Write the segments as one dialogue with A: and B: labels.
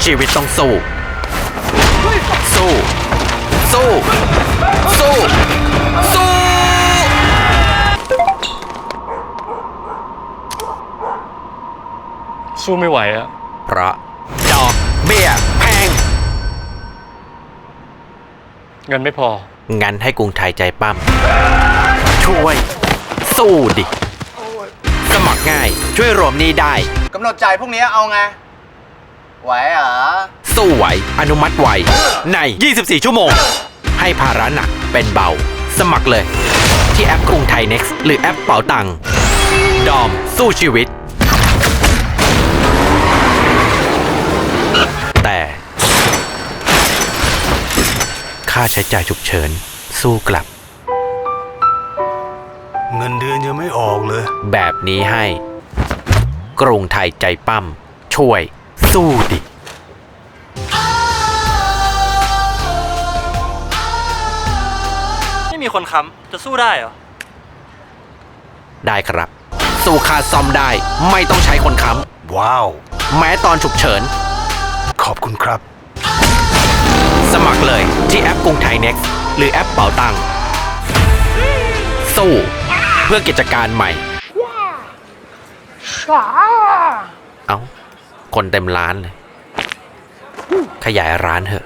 A: ชีวิตต้องสู้ สู้ สู้ สู้ สู้
B: สู้ไม่ไหวอะ
A: เพราะดอกเบี้ยแพง
B: เงินไม่พอ
A: งั้นให้กรุงไทยใจปั้มช่วย สู้ดิ สมัครง่ายช่วยรวมหนี้ได้
C: กำหนดจ่ายพวกนี้เอาไง ไหวเหรอ
A: สู้ไหวอนุมัติไวใน 24 ชั่วโมง ให้ภาระหนักเป็นเบา สมัครเลย ที่แอปกรุงไทย Next หรือแอปเป๋าตังค์ดอมสู้ชีวิต แต่ค่าใช้จ่ายฉุกเฉินสู้กลับ
D: เงินเดือนยังไม่ออกเลย
A: แบบนี้ให้ กรุงไทยใจปั้มช่วย สู้ดิ
B: ไม่มีคนค้ำจะสู้ได้เหรอ
A: ได้ครับ สู้ค่าซ่อมได้ไม่ต้องใช้คนค้
D: ว้าว
A: ำแม้ตอนฉุกเฉิน
D: ขอบคุณครับ
A: สมัครเลยที่แอปกรุงไทย Next หรือแอปเป๋าตังค์สู้เพื่อกิจการใหม่ เอ้า คนเต็มร้านเลย ขยายร้านเถอะ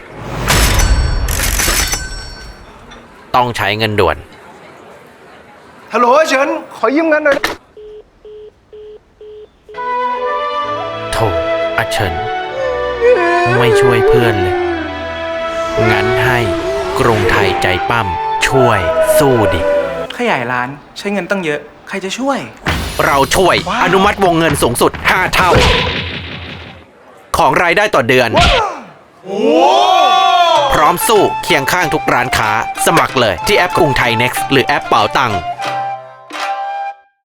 A: ต้องใช้เงินด่วน
E: ฮัลโหลเฉิน ขอยืมเงินหน่อย
A: โถอาเฉิน ไม่ช่วยเพื่อนเลย งั้นให้กรุงไทยใจปั้มช่วยสู้ดิ
E: ขยายร้านใช้เงินตั้งเยอะ ใครจะช่วย
A: เราช่วยอนุมัติวงเงินสูงสุด 5 เท่า ของรายได้ต่อเดือน พร้อมสู้เคียงข้างทุกร้านค้า สมัครเลยที่แอปกรุงไทย Next หรือแอปเป๋าตังค์